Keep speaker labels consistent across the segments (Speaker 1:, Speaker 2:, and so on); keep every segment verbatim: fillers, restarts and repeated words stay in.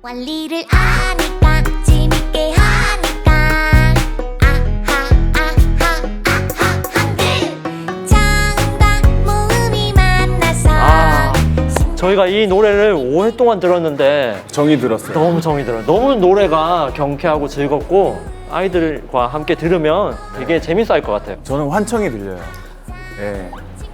Speaker 1: 원리를 아니까 재밌게 하니까 아하 아하 아하 한글 정답 모음이 만나서
Speaker 2: 아, 저희가 이 노래를 오 회 동안 들었는데
Speaker 3: 정이 들었어요.
Speaker 2: 너무 정이 들어요. 너무 노래가 경쾌하고 즐겁고 아이들과 함께 들으면 되게 재밌어 할 것 같아요.
Speaker 3: 저는 환청이 들려요. 예.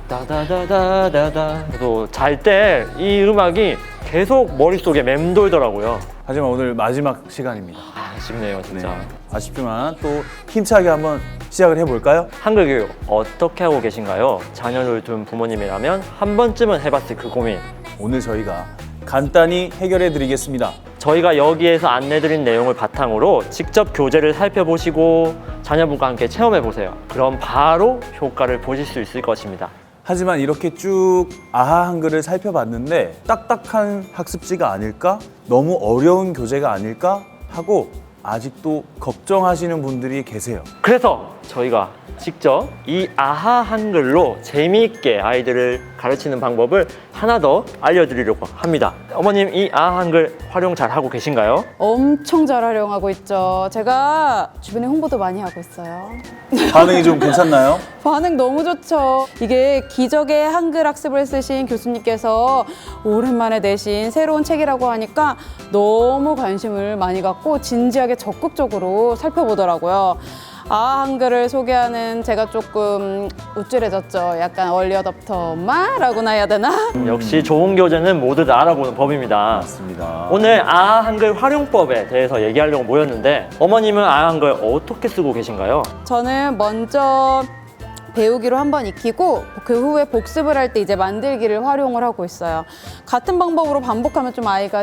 Speaker 2: 다다다다다다. 또 잘 때 이 음악이 계속 머릿속에 맴돌더라고요.
Speaker 3: 하지만 오늘 마지막 시간입니다.
Speaker 2: 아, 아쉽네요, 진짜.
Speaker 3: 네. 아쉽지만 또 힘차게 한번 시작을 해볼까요?
Speaker 2: 한글 교육 어떻게 하고 계신가요? 자녀를 둔 부모님이라면 한 번쯤은 해봤을 그 고민.
Speaker 3: 오늘 저희가 간단히 해결해 드리겠습니다.
Speaker 2: 저희가 여기에서 안내드린 내용을 바탕으로 직접 교재를 살펴보시고 자녀분과 함께 체험해보세요. 그럼 바로 효과를 보실 수 있을 것입니다.
Speaker 3: 하지만 이렇게 쭉 아하 한글을 살펴봤는데 딱딱한 학습지가 아닐까? 너무 어려운 교재가 아닐까? 하고 아직도 걱정하시는 분들이 계세요.
Speaker 2: 그래서 저희가 직접 이 아하 한글로 재미있게 아이들을 가르치는 방법을 하나 더 알려드리려고 합니다. 어머님, 이 아하 한글 활용 잘 하고 계신가요?
Speaker 4: 엄청 잘 활용하고 있죠. 제가 주변에 홍보도 많이 하고 있어요.
Speaker 3: 반응이 좀 괜찮나요?
Speaker 4: 반응 너무 좋죠. 이게 기적의 한글 학습을 쓰신 교수님께서 오랜만에 내신 새로운 책이라고 하니까 너무 관심을 많이 갖고 진지하게 적극적으로 살펴보더라고요. 아 한글을 소개하는 제가 조금 우쭐해졌죠. 약간 얼리 어답터 엄마라고나 해야 되나?
Speaker 2: 역시 좋은 교재는 모두 다 알아보는 법입니다.
Speaker 3: 맞습니다.
Speaker 2: 오늘 아하 한글 활용법에 대해서 얘기하려고 모였는데 어머님은 아하 한글 어떻게 쓰고 계신가요?
Speaker 4: 저는 먼저 배우기로 한번 익히고 그 후에 복습을 할 때 이제 만들기를 활용을 하고 있어요. 같은 방법으로 반복하면 좀 아이가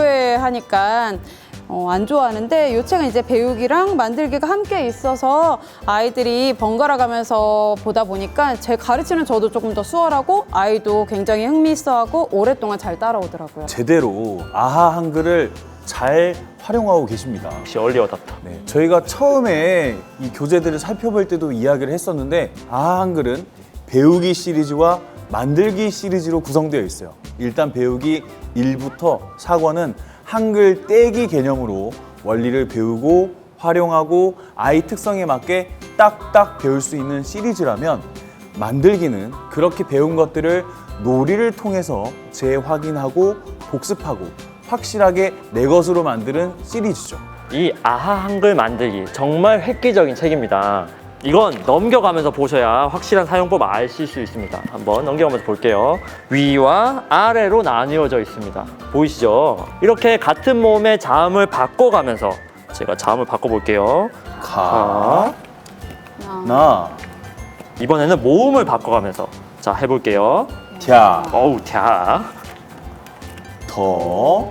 Speaker 4: 지루해하니까 어, 안 좋아하는데 이 책은 이제 배우기랑 만들기가 함께 있어서 아이들이 번갈아 가면서 보다 보니까 제 가르치는 저도 조금 더 수월하고 아이도 굉장히 흥미있어하고 오랫동안 잘 따라오더라고요.
Speaker 3: 제대로 아하 한글을 잘 활용하고 계십니다.
Speaker 2: 역시 얼리 어답터.
Speaker 3: 네, 저희가 처음에 이 교재들을 살펴볼 때도 이야기를 했었는데 아하 한글은 배우기 시리즈와 만들기 시리즈로 구성되어 있어요. 일단 배우기 일부터 사 권은 한글 떼기 개념으로 원리를 배우고 활용하고 아이 특성에 맞게 딱딱 배울 수 있는 시리즈라면 만들기는 그렇게 배운 것들을 놀이를 통해서 재확인하고 복습하고 확실하게 내 것으로 만드는 시리즈죠.
Speaker 2: 이 아하 한글 만들기 정말 획기적인 책입니다. 이건 넘겨가면서 보셔야 확실한 사용법 아실 수 있습니다. 한번 넘겨가면서 볼게요. 위와 아래로 나뉘어져 있습니다. 보이시죠? 이렇게 같은 모음의 자음을 바꿔가면서 제가 자음을 바꿔볼게요.
Speaker 3: 가,
Speaker 4: 아.
Speaker 3: 나,
Speaker 2: 이번에는 모음을 바꿔가면서 자 해볼게요.
Speaker 3: 갸,
Speaker 2: 어우 갸.
Speaker 3: 더,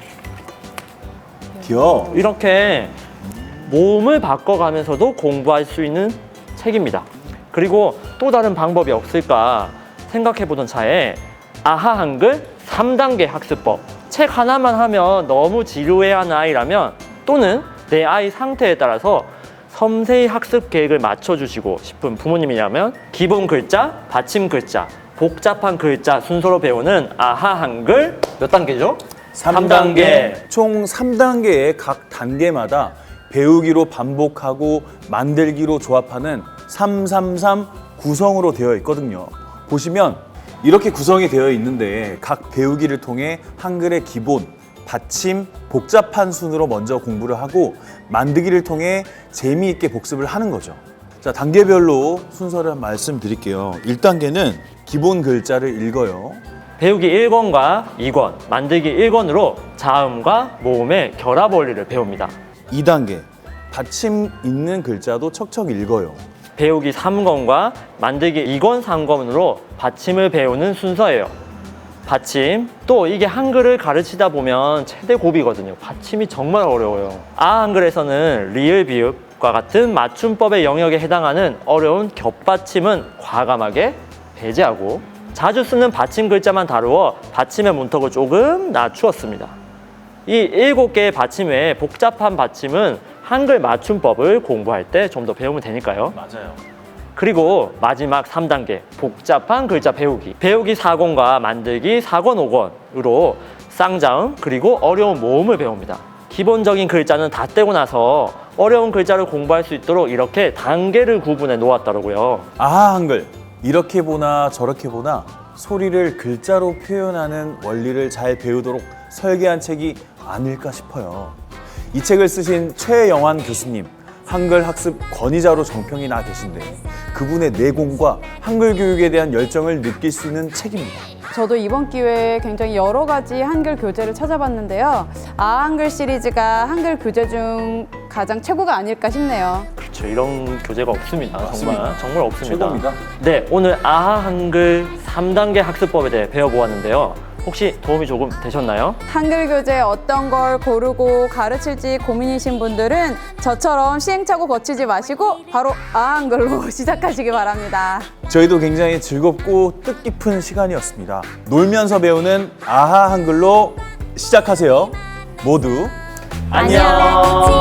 Speaker 3: 겨.
Speaker 2: 이렇게 모음을 바꿔가면서도 공부할 수 있는 책입니다. 그리고 또 다른 방법이 없을까 생각해보던 차에 아하 한글 삼 단계 학습법. 책 하나만 하면 너무 지루해하는 아이라면 또는 내 아이 상태에 따라서 섬세히 학습 계획을 맞춰주시고 싶은 부모님이라면 기본 글자, 받침 글자, 복잡한 글자 순서로 배우는 아하 한글 몇 단계죠?
Speaker 3: 삼 단계. 총 삼 단계의 각 단계마다 배우기로 반복하고 만들기로 조합하는 삼삼삼 구성으로 되어 있거든요. 보시면 이렇게 구성이 되어 있는데 각 배우기를 통해 한글의 기본, 받침, 복잡한 순으로 먼저 공부를 하고 만들기를 통해 재미있게 복습을 하는 거죠. 자, 단계별로 순서를 말씀드릴게요. 일 단계는 기본 글자를 읽어요.
Speaker 2: 배우기 일 권과 이 권, 만들기 일 권으로 자음과 모음의 결합 원리를 배웁니다.
Speaker 3: 이 단계 받침 있는 글자도 척척 읽어요.
Speaker 2: 배우기 삼 권과 만들기 이 권, 삼 권으로 받침을 배우는 순서예요. 받침, 또 이게 한글을 가르치다 보면 최대 고비거든요. 받침이 정말 어려워요. 아 한글에서는 리을, 비읍과 같은 맞춤법의 영역에 해당하는 어려운 겹받침은 과감하게 배제하고 자주 쓰는 받침 글자만 다루어 받침의 문턱을 조금 낮추었습니다. 이 일곱 개의 받침 외에 복잡한 받침은 한글 맞춤법을 공부할 때 좀 더 배우면 되니까요.
Speaker 3: 맞아요.
Speaker 2: 그리고 마지막 삼 단계 복잡한 글자 배우기. 배우기 사 권과 만들기 사 권, 오 권으로 쌍자음, 그리고 어려운 모음을 배웁니다. 기본적인 글자는 다 떼고 나서 어려운 글자를 공부할 수 있도록 이렇게 단계를 구분해 놓았더라고요.
Speaker 3: 아하 한글, 이렇게 보나 저렇게 보나 소리를 글자로 표현하는 원리를 잘 배우도록 설계한 책이 아닐까 싶어요. 이 책을 쓰신 최영환 교수님, 한글 학습 권위자로 정평이 나 계신데 그분의 내공과 한글 교육에 대한 열정을 느낄 수 있는 책입니다.
Speaker 4: 저도 이번 기회에 굉장히 여러 가지 한글 교재를 찾아봤는데요. 아한글 시리즈가 한글 교재 중 가장 최고가 아닐까 싶네요.
Speaker 2: 그렇죠. 이런 교재가 없습니다.
Speaker 3: 맞습니다.
Speaker 2: 정말 정말 없습니다.
Speaker 3: 최고입니다.
Speaker 2: 네, 오늘 아하 한글 삼 단계 학습법에 대해 배워보았는데요. 혹시 도움이 조금 되셨나요?
Speaker 4: 한글 교재 어떤 걸 고르고 가르칠지 고민이신 분들은 저처럼 시행착오 거치지 마시고 바로 아한글로 시작하시기 바랍니다.
Speaker 3: 저희도 굉장히 즐겁고 뜻깊은 시간이었습니다. 놀면서 배우는 아하 한글로 시작하세요. 모두
Speaker 2: 안녕.